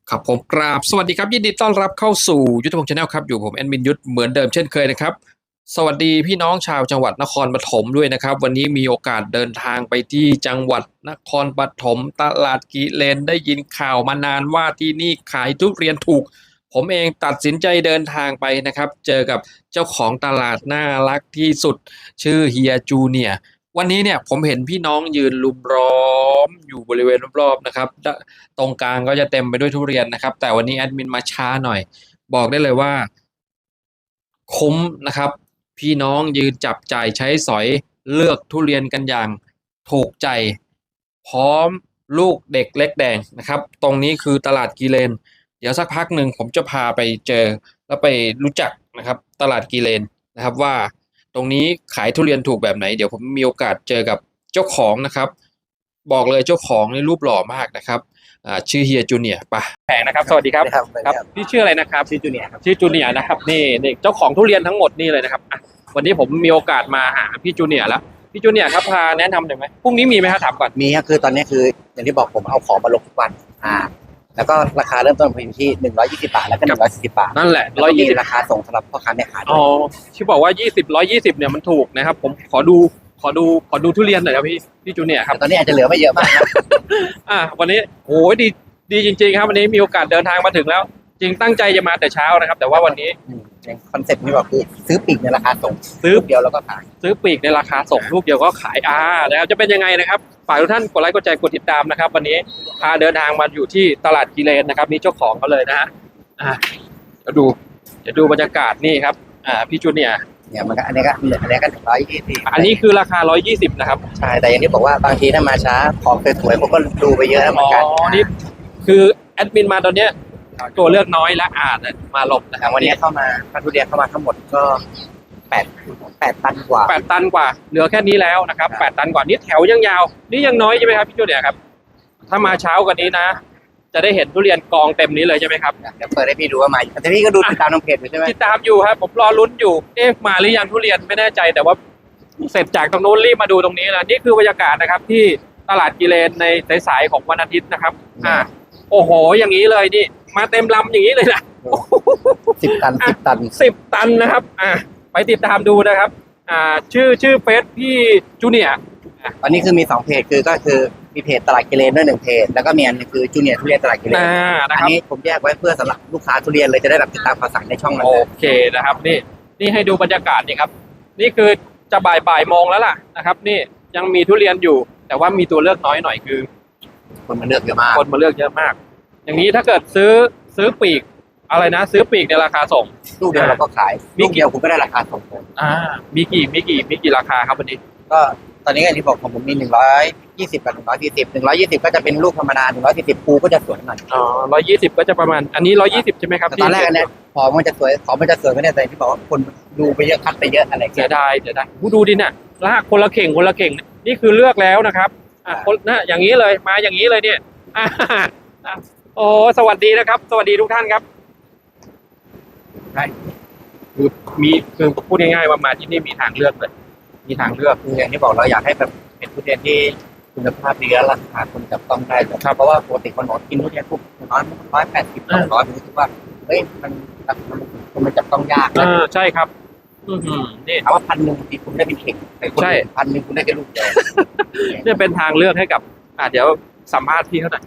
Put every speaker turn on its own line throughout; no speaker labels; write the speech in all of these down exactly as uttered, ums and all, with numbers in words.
ครับผมกราบสวัสดีครับยินดีต้อนรับเข้าสู่ยุทธพงศ์ชาแนลครับอยู่ผมแอดมินยุทธเหมือนเดิมเช่นเคยนะครับสวัสดีพี่น้องชาวจังหวัดนครปฐมด้วยนะครับวันนี้มีโอกาสเดินทางไปที่จังหวัดนครปฐมตลาดกิเลนได้ยินข่าวมานานว่าที่นี่ขายทุเรียนถูกผมเองตัดสินใจเดินทางไปนะครับเจอกับเจ้าของตลาดน่ารักที่สุดชื่อเฮียจูเนียร์วันนี้เนี่ยผมเห็นพี่น้องยืนลุมล้อมอยู่บริเวณรอบๆนะครับตรงกลางก็จะเต็มไปด้วยทุเรียนนะครับแต่วันนี้แอดมินมาช้าหน่อยบอกได้เลยว่าคุ้มนะครับพี่น้องยืนจับจ่ายใช้สอยเลือกทุเรียนกันอย่างถูกใจพร้อมลูกเด็กเล็กแดงนะครับตรงนี้คือตลาดกิเลนเดี๋ยวสักพักหนึ่งผมจะพาไปเจอแล้วไปรู้จักนะครับตลาดกิเลนนะครับว่าตรงนี้ขายทุเรียนถูกแบบไหนเดี๋ยวผมมีโอกาสเจอกับเจ้าของนะครับบอกเลยเจ้าของนี่รูปหล่อมากนะครับอ่าชื่อเฮียจูเนียร์ปะแผงนะครับสวัสดีครับ
ครับ
ครับพี่ชื่ออะไรนะครับ
ชื่อจูเนียร์ครับ
ชื่อจูเนียร์นะครับนี่นี่เจ้าของทุเรียนทั้งหมดนี่เลยนะครับอ่ะวันนี้ผมมีโอกาสมาหาพี่จูเนียร์แล้วพี่จูเนียร์ครับพาแนะนำหน่อยไหมพรุ่งนี้มีไหมครับถามก่อน
มีครับคือตอนนี้คืออย่างที่บอกผมเอาของมาลงทุกวันอ่าแล้วก็ราคาเริ่มต้นอยู่ที่หนึ่งร้อยยี่สิบบาทแล้วก็หนึ่งร้อยสี่สิบบาท
นั่นแหละ
แล้ว
ร้อย
ก็มี
ยี่สิบ
ราคาส่งสำหรับพ่อค้าแม่ค้าด้
อ๋
ว
อย ที่บอกว่ายี่สิบร้อยยี่สิบเนี่ยมันถูกนะครับผมขอดูขอดูขอดูทุเรียนหน่อยครับพี่พี่จูเนียร์ครับ
แต่ตอนนี้อาจจะเหลือไม่เยอะมากนะ
อ่ะวันนี้โอ้ยดีดีจริงๆครับวันนี้มีโอกาสเดินทางมาถึงแล้ว จริงตั้งใจจะมาแต่เช้านะครับ แต่ว่าวันนี้
อืมอย่างคอนเซ็ปต์ที่บอกคือซื้อปีกในราคาส่ง
ซื้อ
ลูกเดียวแล้วก็ขาย
ซื้อปลีกในราคาส่งลูกเดียวก็ขายอ่านะครับจะเป็นยังไงนะครับฝากทุกท่านกดไลค์กดแชร์กดติดตามนะครับ วันนี้พาเดินทางมาอยู่ที่ตลาดกิเลนนะครับนี่เจ้าของเขาเลยนะฮะอ่าเดี๋ยวดูเดี๋ยวดูบรรยากาศนี่ครับอ่าพี่จูเนียร์
เนี่ยมันก็อันนี้ก็อันนี้ก็หนึ่งร้อยยี่สิบ
อันนี้คือราคาร้อยยี่สิบนะครับ
ใช่แต่อย่างที่บอกว่าบางทีถ้ามาช้าของสวยๆผมก็ดูไปเยอะเหมื
อ๋
อนกัน
อนี่คือแอดมินมาตอนเนี้ยตัวเลือกน้อยและอ่านมาหลบนะค
แต่
รับ
วันนี้เข้ามาถ้าทุเรียนเข้ามาทั้งหมดก็แปดแปดตันกว่า
แปดตันกว่าเหลือแค่นี้แล้วนะครับแปดตันกว่านี่แถวยังยาวนี่ยังน้อยใช่ไหมครับพี่จูเนียร์ครับถ้ามาเช้ากว่านี้นะ จะได้เห็นทุเรียนกองเต็มนี้เลยใช่ไหมครับ
เดี๋ยวเปิดให้พี่ดูว่ามาแต่พี่ก็ดูติดตามทางเพจอยู่ใช่ไหม
ติดตามอยู่ครับผมรอลุ้นอยู่เอ๊ะมาหรือยังทุเรียนไม่แน่ใจแต่ว่าเสร็จจากตรงนู้นรีบมาดูตรงนี้แล้วนี่คือบรรยากาศนะครับ ที่ตลาดกิเลนในสายๆของวันอาทิตย์นะครับ อ่า โอ้โหอย่างนี้เลยนี่มาเต็มลำอย่างนี้เลยนะ
สิบตันสิบตัน
สิบตันนะครับ อ่าไปติดตามดูนะครับ อ่าชื่อชื่อเฟซพี่จูเนียร์
ตอนนี้คือมีสองเพจคือก็คือมีเพจตลาดกิเลนด้วยหนึ่งเพจแล้วก็มีอันนึงคือจูเนียร์ทุเรียนตลาดกิเลน
อ่านะ
อัน
ครับ
นี้ผมแยกไว้เพื่อสำหรับลูกค้าทุเรียนเลยจะได้แบบติดตามข่าวสารในช่องนั้น
โอเคนะครับนี่นี่ให้ดูบรรยากาศนี่ครับ นี่คือจะบ่ายบ่ายโมงแล้วล่ะนะครับ นี่ยังมีทุเรียนอยู่ แต่ว่ามีตัวเลือกน้อยหน่อยคือ
คนมาเลือกเยอะมาก
คนมาเลือกเยอะมาก อย่างนี้ถ้าเกิดซื้อซื้อปีกอะไรนะ ซื้อปีกในราคาส่ง
ลูกเดียวเราก็ขาย
มี
ลูก
กี่
เดียวคุณก็ได้ราคาส่งผม
อ่า มีกี่มีกี่มีกี่ราคาครับวันนี้
ก็ตอนนี้อย่างที่บอกของผมมีหนึ่งร้อยยี่สิบกับหนึ่งร้อยสี่สิบหนึ่งร้อยยี่สิบก็จะเป็นลูกธรรมดาหนึ่งร้อยสี่สิบปูก็จะสวยหน่อย
อ๋อร้อยยี่สิบก็จะประมาณ อันนี้ร้อยยี่สิบใช่ไหมครับ
แต่ตอนแรกอันเนี้ยของมันจะสวยของมันจะสวยไม่ได้แต่ที่บอกว่าคนดูไปเยอะคัดไปเยอะอะไร
เสี
เงี้
ย
ย
ดายเสียดายผู้ดูดิเนี่ยลากคนละเข่งคนละเข่งนี่คือเลือกแล้วนะครับอ่ะคนนะอย่างนี้เลยมาอย่างนี้เลยเนี่ยอ่าอ่ะโอ้สวัสดีนะครับ สวัสดีทุกท่านครับใช่คือมีคือพูดง่ายๆว่ามาที่นี่มีทางเลือกเลยมีทางเลือก
คืออย่างที่บอกเราอยากให้แบบเป็นทุเรียนที่คุณภาพดีและราคาคนจับต้องได้ครับเพราะว่าปกติคนบอกกินทุเรียนปุ๊บร้อยร้อยแปดสิบสองร้อยผมรู้สึกว่าเฮ้ยมันมันมันจับต้องยากนะ
อ่าใช่ครับ อือหือนี่
ถามว่าพันหนึ่งบางทีคุณได้เป็นเข่งแต่คน
ใช่
พันหนึ่งคุณได้แค่ลูกเดียว
เนี่ยเป็นทางเลือกให้กับ อ่าเดี๋ยวสัมภาษณ์พี่เขาหน่อย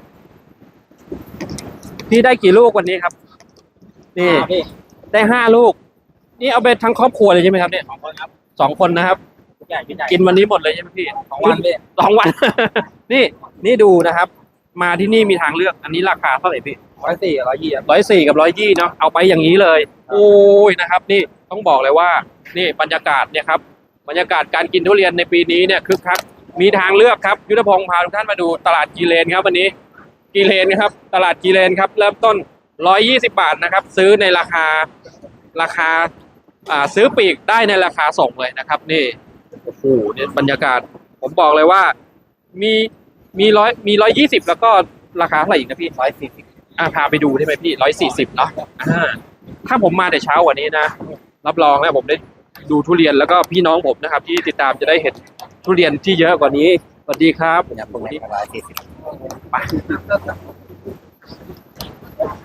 พี่ได้กี่ลูกวันนี้ครับ นี่ ได้ห้าลูก นี่เอาไปทั้งครอบครัวเลยใช่ไหมครับเนี่ยสองคนครับสองคนนะครับ กินวันนี้หมดเลยใช่ไหมพี่สองวันพี่สองวัน นี่นี่ดูนะครับ มาที่นี่มีทางเลือก อันนี้ราคาเท่าไหร่พี่ร้อยสี่ร้อยยี่ร้อยสี่กับร้อยยี่เนาะเอาไปอย่างนี้เลย โอ้ยนะครับ นี่ต้องบอกเลยว่า นี่บรรยากาศเนี่ยครับ บรรยากาศการกินทุเรียนในปีนี้เนี่ยคึกคักมีทางเลือกครับยุทธพงศ์พาทุกท่านมาดูตลาดกีเลนครับวันนี้กีเลนครับ ตลาดกีเลนครับ เริ่มต้นร้อยยี่สิบบาทนะครับ ซื้อในราคาราคาอ่าซื้อปีกได้ในราคาส่งเลยนะครับ นี่โอ้โหเนี่ยบรรยากาศ ผมบอกเลยว่า มีมีร้อยมีร้อยยี่สิบแล้วก็ราคาเท่าไหร่อีกนะพี่
ร้อยสี่สิบ
อ่าพาไปดูได้ไหมพี่ร้อยสี่สิบเนาะอ่าถ้าผมมาแต่เช้ากว่านี้นะรับรองนะผมได้ดูทุเรียนแล้วก็พี่น้องผมนะครับ ที่ติดตามจะได้เห็นทุเรียนที่เยอะกว่านี้สวัสดีครับ
อย่างพวกนี้ร้อยสี่สิบ
ไป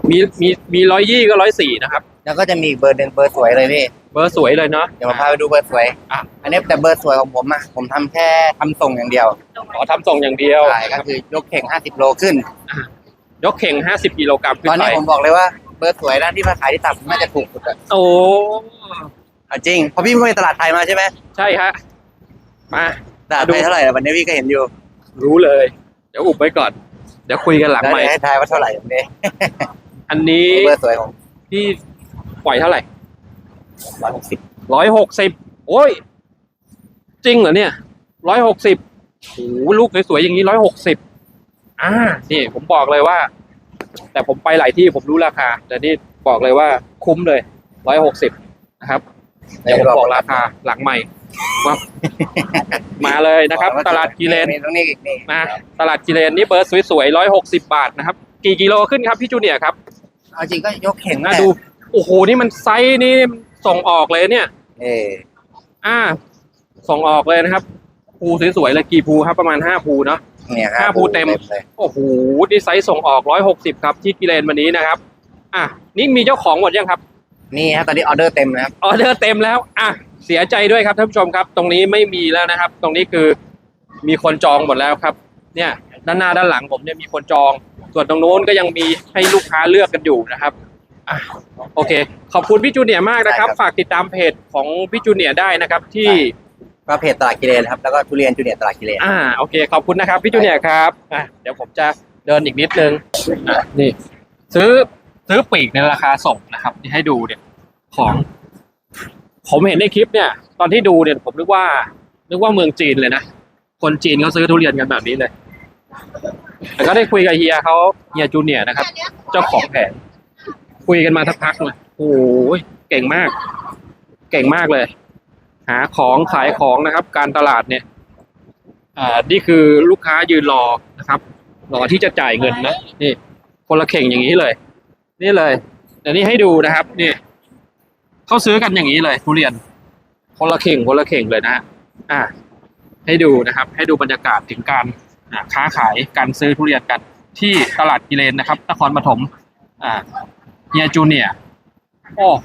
มีมีมีร้อยยี่ก็ร้อยสี่นะครับ
แล้วก็จะมีอีกเบอร์หนึ่งเบอร์สวยเลยพี่
เบอร์สวยเลยเนาะ
เดี๋ยวมาพาไปดูเบอร์สวย
อ่ะ
อันนี้แต่เบอร์สวยของผมอ่ะผมทำแค่ทำส่งอย่างเดียว
ขอทำส่งอย่างเดียว
ใช่ก็คือยกเข่งห้าสิบโลขึ้น
ยกเข่งห้าสิบกิโลกรัมขึ้
ตอน
นไป
นี้ผมบอกเลยว่าเบอร์สวยด้านที่มาขายที่ต่ำน่าจะถูกสุดอะ
โอ้
เอาจริงเพราะพี่ไม่ไปตลาดไทยมาใช่ไหม
ใช่ฮะมา
ตลาดไทยเท่าไหร่ล่ะวันนี้พี่ก็เห็นอยู่
รู้เลย เดี๋ยวอุบไว้ก่อน เดี๋ยวคุยกันหลัง
แล้ว
ใหม่
เดี๋ยวให้ทายว่าเท่าไหร่วันนี้
อันนี้
เบอร์สวยของ
พี่ปล่อยเท่าไหร่
ร้อยหกสิบ
ร้อยหกสิบโอ้ย จริงเหรอเนี่ยร้อยหกสิบโอ้โหลูกสวยๆอย่างนี้ร้อยหกสิบอ่านี่ผมบอกเลยว่า แต่ผมไปหลายที่ผมรู้ราคา แต่นี่บอกเลยว่าคุ้มเลยร้อยหกสิบนะครับ เดี๋ยวผมบอกราคาหลังใหม่ว่า มาเลยนะครับ ตลาดกิเลน
ตรงนี้อีกนี่
นะตลาดกิเลนนี่เบอร์สวยๆร้อยหกสิบบาทนะครับ กี่กิโลขึ้นครับพี่จูเนียร์ครับ
เอาจริงก็ยกเข่ง
น่าดู โอ้โห นี่มันไซส์นี่ส่งออกเลยเนี่ย
เออ
อ่า ส่งออกเลยนะครับ ภูสวยๆเลยกี่ภูครับประมาณห้าภูเนาะ
เนี่ย
ห้าภูเต็ม
เลย
โอ้โหนี่ไซส์ส่งออกร้อยหกสิบครับที่กิเลนวันนี้นะครับ อ่ะนี่มีเจ้าของหมดยังครับ
นี่ฮะตอนนี้ออเดอร์เต็มนะครับ
ออเดอร์เต็มแล้ว อ่ะ เสียใจด้วยครับท่านผู้ชมครับ ตรงนี้ไม่มีแล้วนะครับ ตรงนี้คือมีคนจองหมดแล้วครับ เนี่ย ด้านหน้าด้านหลังผมเนี่ยมีคนจอง ส่วนตรงโน้นก็ยังมีให้ลูกค้าเลือกกันอยู่นะครับ อ่ะ โอเค ขอบคุณพี่จูเนียร์มากนะครับ
ได้ครับ
ฝากติดตามเพจของพี่จูเนียร์ได้นะครับ ที่
ก็เพจตลาดกิเลนครับแล้วก็ทุเรียนจูเนียร์ตลาดกิเลน
อ่า โอเค ขอบคุณนะครับพี่จูเนียร์ครับ อ่ะ เดี๋ยวผมจะเดินอีกนิดนึง อ่ะ นี่ ซื้อ ซื้อปีกในราคาส่งนะครับที่ให้ดูเนี่ย ของ ผมเห็นในคลิปเนี่ย ตอนที่ดูเนี่ยผมนึกว่า นึกว่าเมืองจีนเลยนะ คนจีนเขาซื้อทุเรียนกันแบบนี้เลย แต่ก็ได้คุยกับเฮียเขาเฮียจูเนียร์นะครับ เจ้าของแผง คุยกันมาสักพักเลยโอ้ยเก่งมาก เก่งมากเลย หาของขายของนะครับ การตลาดเนี่ย อ่า นี่คือลูกค้ายืนรอนะครับ รอที่จะจ่ายเงินนะ นี่ คนละเข่งอย่างนี้เลย นี่เลยเดี๋ยวนี้ให้ดูนะครับ นี่เขาซื้อกันอย่างนี้เลยทุเรียน คนละเข่งคนละเข่งเลยนะอ่า ให้ดูนะครับ ให้ดูบรรยากาศถึงการอ่าค้าขายการซื้อทุเรียนกันที่ตลาดกิเลนนะครับนครปฐมอ่าเฮียจูเนียร์โอ้โห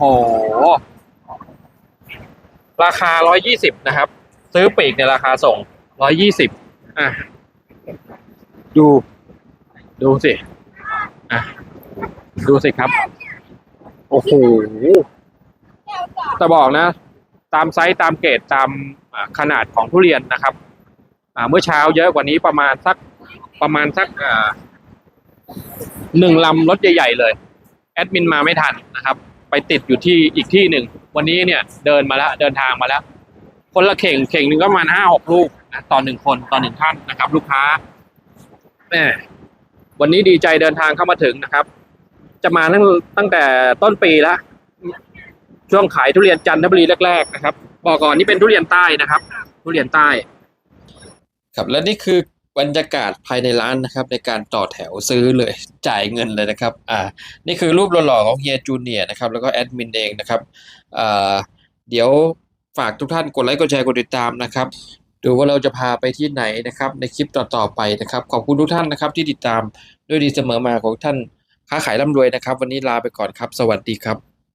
ราคาร้อยยี่สิบนะครับ ซื้อปีกในราคาส่งร้อยยี่สิบอ่ะดู ดูสิอ่ะดูสิครับ โอ้โหจะบอกนะ ตามไซส์ตามเกรดตามอ่าขนาดของทุเรียนนะครับ อ่า เมื่อเช้าเยอะกว่านี้ประมาณสักประมาณสักอ่าหนึ่งลำรถใหญ่ๆเลย แอดมินมาไม่ทันนะครับ ไปติดอยู่ที่อีกที่หนึ่ง วันนี้เนี่ยเดินมาแล้วเดินทางมาแล้ว คนละเข่งเข่งหนึ่งก็ประมาณห้าหกลูกนะต่อหนึ่งคนต่อหนึ่งท่านนะครับ ลูกค้าแหมวันนี้ดีใจเดินทางเข้ามาถึงนะครับ จะมาตั้งตั้งแต่ต้นปีแล้วช่วงขายทุเรียนจันทบุรีแรกๆนะครับบอกก่อนนี่เป็นทุเรียนใต้นะครับ ทุเรียนใต้ ครับและนี่คือบรรยากาศภายในร้านนะครับ ในการต่อแถวซื้อเลยจ่ายเงินเลยนะครับ อ่า นี่คือรูปหล่อๆของเฮียจูเนียร์นะครับ แล้วก็แอดมินเองนะครับอ่าเดี๋ยวฝากทุกท่านกดไลค์กดแชร์กดติดตามนะครับดูว่าเราจะพาไปที่ไหนนะครับ ในคลิปต่อๆไปนะครับ ขอบคุณทุกท่านนะครับ ที่ติดตามด้วยดีเสมอมาของท่านค้าขายร่ำรวยนะครับ วันนี้ลาไปก่อนครับ สวัสดีครับ